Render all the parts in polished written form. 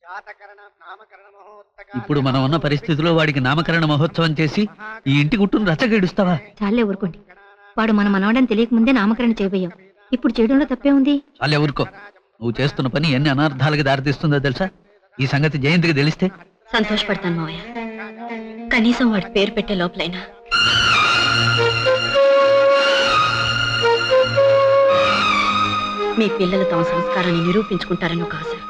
ఇప్పుడు మనం ఉన్న పరిస్థితిలో వాడికి నామకరణ మహోత్సవం చేసి ఈ ఇంటి గుట్టును రచ్చగేడుస్తావా? చాలే ఊరుకోండి. వాడు మన మనవడని తెలియక ముందే నామకరణ చేయబోయాం. ఇప్పుడు చేయడంలో తప్పే ఉంది. చాలే ఊరుకో. నువ్వు చేస్తున్న పని ఎన్ని అనర్థాలకు దారితీస్తుందో తెలుసా? ఈ సంగతి జయంతికి తెలిస్తే సంతోషపడతాను మావయ్య. కనీసం వాడి పేరు పెట్టే లోపలైనా. మీ పిల్లలు తమ సంస్కారాన్ని నిరూపించుకుంటారని ఒక ఆశ.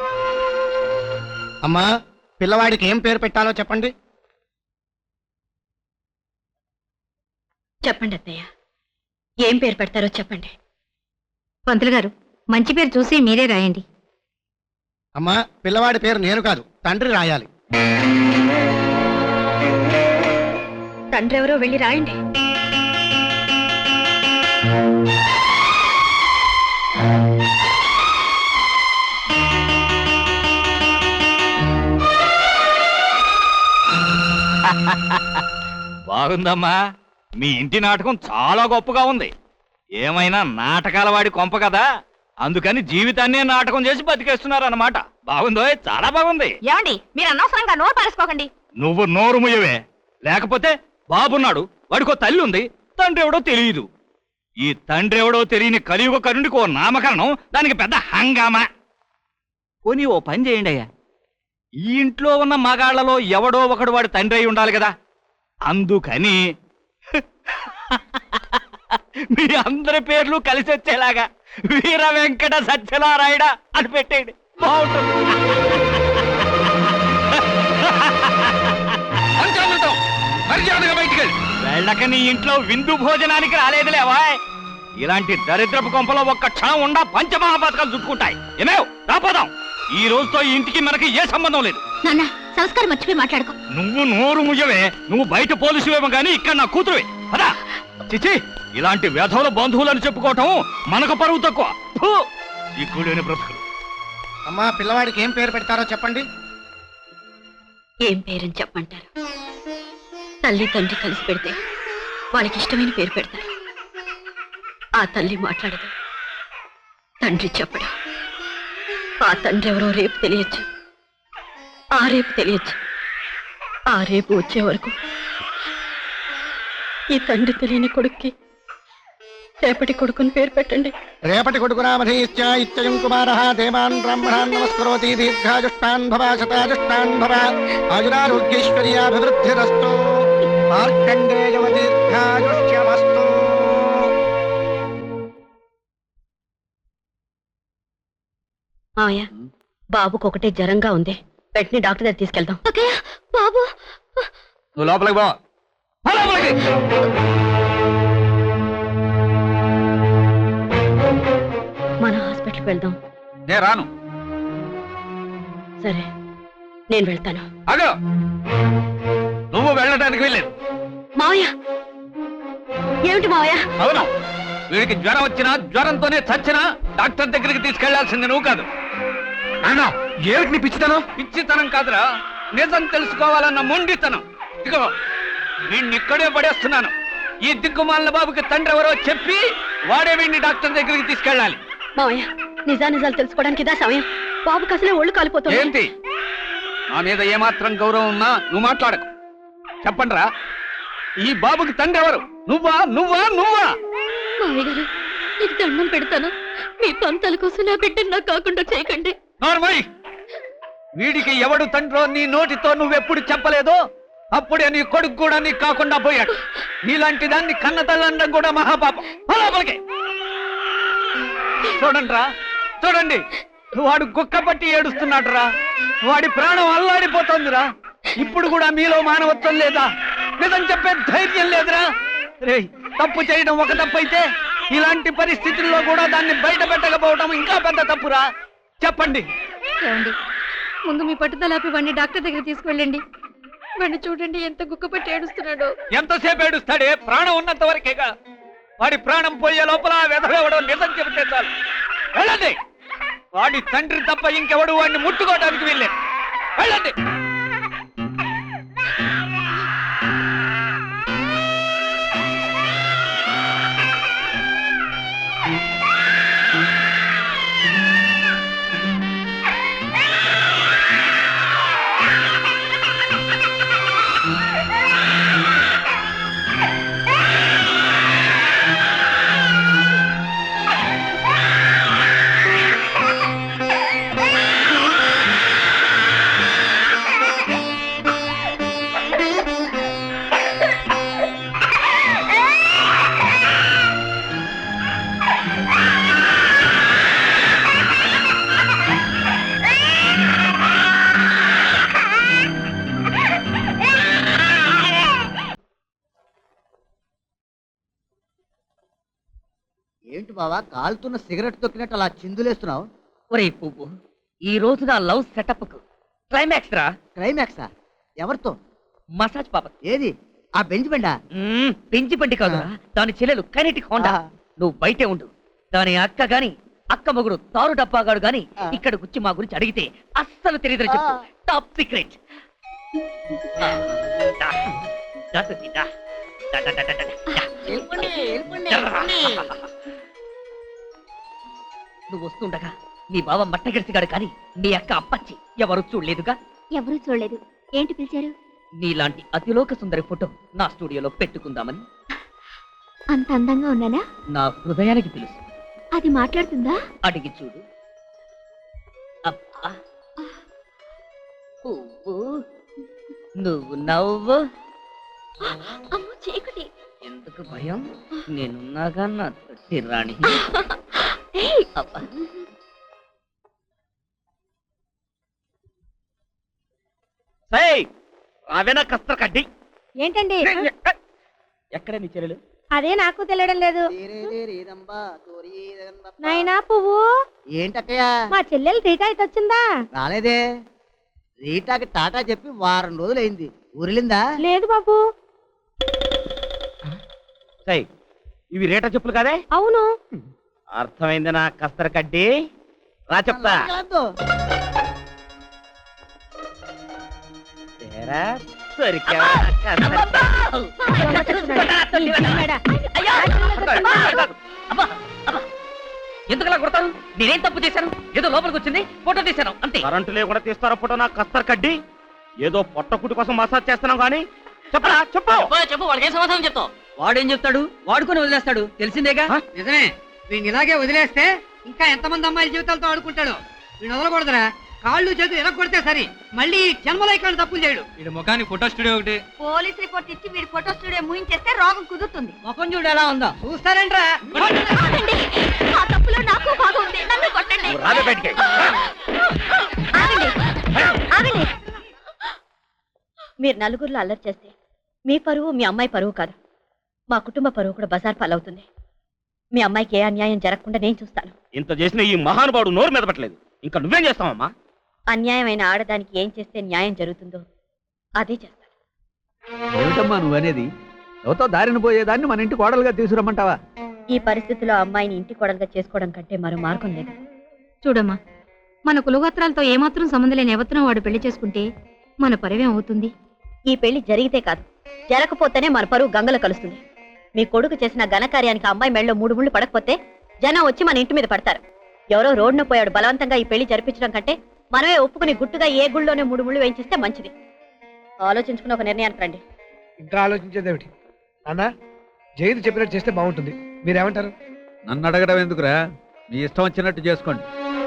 అమ్మా, పిల్లవాడికి ఏం పేరు పెట్టాలో చెప్పండి. చెప్పండి అత్తయ్య, ఏం పేరు పెడతారో చెప్పండి. పంతులు గారు, మంచి పేరు చూసి మీరే రాయండి. అమ్మా, పిల్లవాడి పేరు నేను కాదు, తండ్రి రాయాలి. తండ్రి ఎవరో వెళ్ళి రాయండి. బాగుందమ్మా, మీ ఇంటి నాటకం చాలా గొప్పగా ఉంది. ఏమైనా నాటకాల వాడి కొంప కదా, అందుకని జీవితాన్నే నాటకం చేసి బతికేస్తున్నారు అన్నమాట. బాగుందో, చాలా బాగుంది. ఏమండి, మీరు అనవసరంగా నోరు పారేసుకోకండి. నువ్వు నోరు ముయ్యవే, లేకపోతే బాబున్నాడు, వాడికో తల్లి ఉంది, తండ్రి ఎవడో తెలియదు. ఈ తండ్రి ఎవడో తెలియని కలియుగ కరుణికి ఓ నామకరణం, దానికి పెద్ద హంగామా. పోనీ ఓ పని చేయండి అయ్యా, ఈ ఇంట్లో ఉన్న మగాళ్లలో ఎవడో ఒకడు వాడి తండ్రి అయి ఉండాలి కదా, అందుకని మీ అందరి పేర్లు కలిసి వచ్చేలాగా వీర వెంకట సత్యనారాయణ అని పెట్టేయండి, బాగుంటుంది. వెళ్ళక నీ ఇంట్లో విందు భోజనానికి రాలేదులేవా? ఇలాంటి దరిద్రపు కొంపలో ఒక్క క్షణం ఉండా పంచమహాపాతకాలు చుట్టుకుంటాయి. ఏమేవ్, రాపోదాం. ఈ రోజుతో ఈ ఇంటికి మనకి ఏ సంబంధం లేదు. నాన్న, సంస్కారం మర్చిపోయి మాట్లాడుకో. నువ్వు నోరు ముయ్యవే, నువ్వు బయట పోలీసువేమో గానీ ఇక్కడ నా కూతురువే. అదా చిచి, ఇలాంటి వ్యధవుల బంధువులని చెప్పుకోవటం మనకు పరువు తక్కువ. సిగ్గులేని బ్రతుకులు. అమ్మా, పిల్లవాడికి ఏం పేరు పెడతారో చెప్పండి. ఏం పేరని చెప్పంటారు? తల్లి తండ్రి కలిసి పెడితే వాళ్ళకి ఇష్టమైన పేరు పెడతారు. ఆ తల్లి మాట్లాడదు, తండ్రి చెప్పడు. ఆ తండ్రి ఎవరో రేపు తెలియచ్చు, ఆ రేపు తెలియచ్చు. ఆ రేపు వచ్చే వరకు ఈ తండ్రి తెలియని కొడుక్కి రేపటి కొడుకుని పేరు పెట్టండి. రేపటి కొడుకు నామధేయశ్చ ఇత్యయం కుమారః దేవాన్ బ్రాహ్మణాన్ నమస్కరోతి దీర్ఘాయుష్టాన్ భవ శతాయుష్టాన్ భవ ఆయురారోగ్యైశ్వర్యాభివృద్ధిరస్తు మార్కండేయవ దీర్ఘాయుష్యమస్తు. మావయ్య, బాబుకు ఒకటే జ్వరంగా ఉంది, వెంటనే డాక్టర్ దగ్గర తీసుకెళ్దాం. బాబు, నువ్వు లోపలికి బా. మన హాస్పిటల్కి వెళ్దాం. నేను రాను. సరే, నేను వెళ్తాను. అగో, నువ్వు వెళ్ళడానికి వెళ్ళలేదు. మావయ్య, ఏమిటి మావయ్య? అవును, వీడికి జ్వరం వచ్చినా జ్వరంతోనే చచ్చినా డాక్టర్ దగ్గరికి తీసుకెళ్లాల్సింది నువ్వు కాదు. అన్నా, ఏమిటి నీ పిచ్చితనం? పిచ్చితనం కాదురా, నిజం తెలుసుకోవాలన్న మొండితనం. ఇదిగో, వీడిని ఇక్కడే పడేస్తున్నాను. ఈ దిక్కుమాలిన బాబుకి తండ్రి ఎవరో చెప్పి వాడే వీడిని డాక్టర్ దగ్గరికి తీసుకెళ్ళాలి. మావయ్య, నిజాలు తెలుసుకోవడానికి ఇదా సమయం? బాబుకి అసలే ఒళ్ళు కాలిపోతుంది. ఏంటి, నా మీద ఏమాత్రం గౌరవం ఉన్నా నువ్వు మాట్లాడకు. చెప్పండిరా, ఈ బాబుకి తండ్రి ఎవరు? నువ్వా నువ్వా నువ్వా? మావయ్య గారు, నీకు దండం పెడతాను. మీ పంతాల కోసం నా బిడ్డను నాకు కాకుండా చేయకండి. నార్మల్, వీడికి ఎవడు తండ్రో నీ నోటితో నువ్వెప్పుడు చెప్పలేదో అప్పుడే నీ కొడుకు కూడా నీకు కాకుండా పోయాడు. నీలాంటి దాన్ని కన్న తల్లండం కూడా మహాపాపం. లోపలికి చూడండి రా, చూడండి, వాడు గుక్క పట్టి ఏడుస్తున్నాడురా. వాడి ప్రాణం అల్లాడిపోతుందిరా. ఇప్పుడు కూడా మీలో మానవత్వం లేదా? నిజం చెప్పే ధైర్యం లేదురా. రేయ్, తప్పు చేయడం ఒక తప్పు అయితే ఇలాంటి పరిస్థితుల్లో కూడా దాన్ని బయట పెట్టకపోవడం ఇంకా పెద్ద తప్పురా. చెప్పండి. ఏమండి, ముందు మీ పట్టుదలాపి వాడిని డాక్టర్ దగ్గర తీసుకువెళ్ళండి. వాడిని చూడండి, ఎంత గుక్కపట్టి ఏడుస్తున్నాడో. ఎంతసేపు ఏడుస్తాడే? ప్రాణం ఉన్నంత వరకేగా. వాడి ప్రాణం పోయే లోపల వెధవెవడో నిజం చెబితే చాలు. వెళ్ళండి. వాడి తండ్రి తప్ప ఇంకెవడు వాడిని ముట్టుకోవడానికి వెళ్ళే. వెళ్ళండి. బావా కాలుతున్న సిగరెట్ తొక్కినట్టు అలా చిందులేస్తున్నావు? ఒరే పువ్వు, ఈ రోజు నా లవ్ సెటప్ కు క్లైమాక్స్ రా. క్లైమాక్సా? ఎవరితో? మసాజ్ పాప. ఏది ఆ బెంచ్ బండా? పెంచి బండి కాదురా, దాని చెల్లెలు కైనెటిక్ హోండా. నువ్వు బయటే ఉండు. దాని అక్క గాని అక్క మొగుడు తారు డబ్బాగాడు గాని ఇక్కడ గుచ్చి మా గురించి అడిగితే అస్సలు తెలియదు చెప్పు. Top secret. నువ్వు వస్తుండగా నీ బావ మట్టగడిసిగాడు కానీ నీ అక్క అప్పచ్చి ఎవరు చూడలేదుగా? ఎవరూ చూడలేదు. ఏంటి పిలిచారు? నీలాంటి అతిలోక సుందరి ఫోటో నా స్టూడియోలో పెట్టుకుందామని. అంత అందంగా ఉన్నానా? నా హృదయానికి తెలుసు. అది మాట్లాడుతుందా? అడిగి చూడు. అబ్బా పువ్వు, నువ్వు నవ్వు. అమ్మో చీకటి. ఎందుకు భయం? నేనున్నాగా నా తొట్టి రాణి. అబ్బా. రావేనా కస్త కడ్డి? ఏంటండి? ఎక్కడ నీ చెల్లెలు? అదే నాకు తెలియడం లేదు. నాయనా పువ్వు, ఏంటక్కయ్య? మా చెల్లెలు రీటా ఇటు వచ్చిందా? రాలేదే. రీటాకి టాటా చెప్పి వారం రోజులైంది. ఊరిలిందా? లేదు బాబు. ఇవి రేట చెప్పులు కాదే? అవును. అర్థమైంది నా కస్తర కడ్డి. రా చెప్తా. ఎందుకలా కొడతాను? నేనేం తప్పు చేశాను? ఏదో లోపలికి వచ్చింది, ఫోటో తీశాను అంతే. కరెంటు లేకుండా తీస్తారా ఫోటో నా కస్తర్ కడ్డి? ఏదో పొట్టకుటి కోసం మసాజ్ చేస్తున్నాం కానీ చెప్పరా చెప్పు. చెప్పు, వాడికి ఏం సమాధానం చెప్తావు? వాడేం చెప్తాడు? వాడుకొని వదిలేస్తాడు, తెలిసిందేగా. నిజమే. వీడిని ఇలాగే వదిలేస్తే ఇంకా ఎంతమంది అమ్మాయిల జీవితాలతో ఆడుకుంటాడు. వీడిని వదలకూడదురా. కాళ్ళు చేతులు ఎరగొడితే సరి. మళ్ళీ జన్మలో ఇక్కడ తప్పులు చేయడు. వీడి ముఖానికి ఫోటో స్టూడియో ఒకటి. పోలీస్ రిపోర్ట్ ఇచ్చి వీడి ఫోటో స్టూడియో ముయించేస్తే రోగం కుదురుతుంది. ముఖం చూడు ఎలా ఉందో. చూస్తారేంట్రా? ఆ తప్పులో నాకు భాగం ఉంది. నన్ను కొట్టండి. రాబే బయటికి. ఆగండి. ఆగండి. మీరు నలుగురిలో అల్లరి చేస్తే మీ పరువు మీ అమ్మాయి పరువు కాదు, మా కుటుంబ పరువు కూడా బజార్ పాలవుతుంది. మీ అమ్మాయికి ఏ అన్యాయం జరగకుండా నేను చూస్తాను. ఇంత చేసిన ఈ మహానుభావుడు నోరు మీద పట్టలేదు. ఇంకా నువ్వేం చేస్తావమ్మా? అన్యాయమైన ఆడదానికి ఏం చేస్తే న్యాయం జరుగుతుందో అదే చేస్తాను. ఏమిటమ్మా నువ్వనేది? ఎవతో దారిన పోయేదాన్ని మన ఇంటి కోడలుగా తీసుకురమ్మంటావా? ఈ పరిస్థితిలో అమ్మాయిని ఇంటి కోడలుగా చేసుకోవడం కంటే మరో మార్గం లేదు. చూడమ్మా, మన కులగోత్రాలతో ఏమాత్రం సంబంధం లేని ఎవరినో వాడు పెళ్లి చేసుకుంటే మన పరివేం అవుతుంది? ఈ పెళ్లి జరిగితే కాదు, జరగకపోతేనే మన పరువు గంగలో కలుస్తుంది. మీ కొడుకు చేసిన ఘనకార్యానికి అమ్మాయి మెళ్ళలో 3 ముళ్ళు పడకపోతే జనం వచ్చి మన ఇంటి మీద పడతారు. ఎవరో రోడ్డున పోయాడు బలవంతంగా ఈ పెళ్లి జరిపించడం కంటే మనమే ఒప్పుకుని గుట్టుగా ఏ గుళ్ళోనే 3 ముళ్ళు వేయించిస్తే మంచిది. ఆలోచించుకుని ఒక నిర్ణయానికి రండి. ఇంకా ఆలోచించేదేమిటి అన్నా? జైలు చెప్పినట్టు చేస్తే బాగుంటుంది. మీరేమంటారు? నన్ను అడగడం ఎందుకురా? మీ ఇష్టం వచ్చినట్టు చేసుకోండి.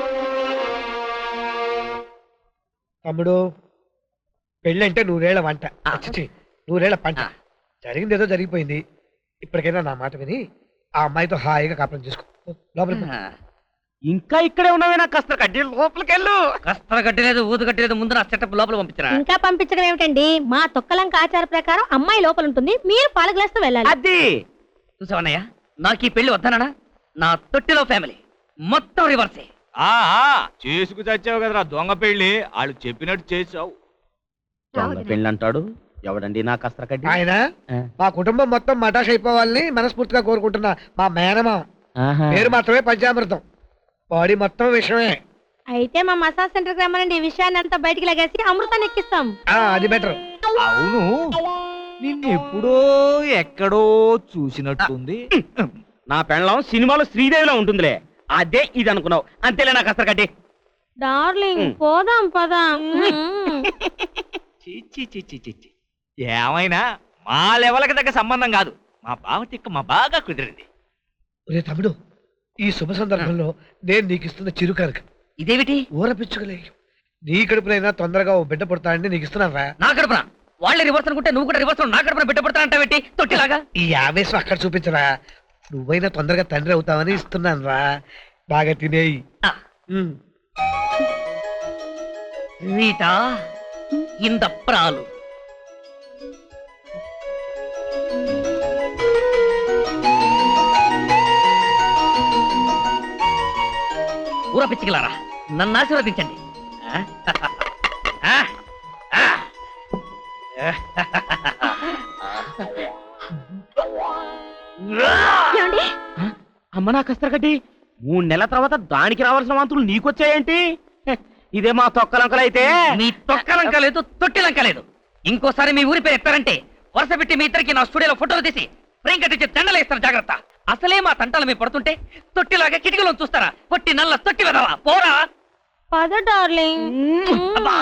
తమ్ముడు, పెళ్ళి అంటే 100 ఏళ్ల వంట. 100 ఏళ్ల పంట. జరిగింది ఏదో జరిగిపోయింది. ఇప్పటికైనా నా మాట విని ఆ అమ్మాయితో హాయిగా కాపురం చేసుకో. లోపలికి ఇంకా ఇక్కడే ఉన్నావేనా కస్తర్ కడ్డి? లోపలికెళ్ళు. కస్తర కట్టలేదు, ఊదు కట్టలేదు. ముందు నా సెటప్ లోపల పంపించరా. ఇంకా పంపించడం ఏమిటండి? మా తొక్కలంక ఆచార ప్రకారం అమ్మాయి లోపల ఉంటుంది, మీరు పాల గ్లాస్ తో వెళ్ళాలి. అది చూసావన్నయ్య, నాకు ఈ పెళ్లి వద్దనా? నా తొట్టిలో ఫ్యామిలీ మొత్తం రివర్సే. చేసుకు చచ్చావు కదరా దొంగ పెళ్లి. వాళ్ళు చెప్పినట్టు చేసావు. దొంగ పెళ్లి అంటాడు ఎవడండి నా కస్తర్ కడ్డి? ఆయన మా కుటుంబం మొత్తం మటాష్ అయిపోవాలని మనస్ఫూర్తిగా కోరుకుంటున్నా. మా మేనమా పేరు మాత్రమే పంచామృతం, బాడీ మొత్తం విషయమే. అయితే మా మసాజ్ సెంటర్ కి రమ్మనండి. ఈ విషయాన్ని అంతా బయటికి లాగేసి అమృతాన్ని ఎక్కిస్తాం. అది బెటర్. అవును, నిన్నెప్పుడో ఎక్కడో చూసినట్టుంది. నా పెళ్ళం సినిమాలో శ్రీదేవిలో ఉంటుందిలే. అదే ఇది అనుకున్నావు అంతేలే నా కస్తర్ కడ్డి. డార్లింగ్ పోదాం పదాం. ఏమైనా మా లెవెల్కి దగ్గర సంబంధం కాదు. మా బావ తిక్క మా బాగా కుదిరింది. ఒరే తమ్ముడు, ఈ శుభ సందర్భంలో నేను నీకు ఇస్తున్న చిరుకరక ఇదేమిటి? ఊరపిచ్చుకోలే. నీ కడుపునైనా తొందరగా ఓ బిడ్డ పుడతానని నీకు ఇస్తున్నాను రా. నా కడుపున వాళ్ళే రివర్స్ అనుకుంటే నువ్వు కూడా రివర్స్ నా కడుపున బిడ్డ పడతానంటావేంటి తొట్టిలాగా? ఈ ఆవేశం అక్కడ చూపించరా. నువ్వైనా తొందరగా తండ్రి అవుతావని ఇస్తున్నాను రా. బాగా తినేయి. రీటా ఇంద ప్రాలు. ఊర పిచ్చికిలారా నన్ను ఆశీర్వదించండి ఆ? ఆ? ఆ? ఏమండి అమ్మ నా కస్తరగడ్డి 3 నెలల తర్వాత దానికి రావాల్సిన వాంతులు నీకొచ్చాయేంటి హె, ఇదే మా తొక్కలంకలైతే మీ తొక్కలంక లేదు తొట్టిలంక లేదు ఇంకోసారి మీ ఊరి పేరు ఎత్తారంటే వరుస పెట్టి మీ ఇద్దరికి నా స్టూడియోలో ఫోటోలు తీసి ఫ్రేమ్ కట్టించి దండలు వేస్తారు జాగ్రత్త అసలే మా తంటాలు మీ పడుతుంటే తొట్టిలాగా కిటికీలో చూస్తారా పొట్టి నల్ల తొట్టి వెదవా పోరా పద డార్లింగ్ అబ్బా,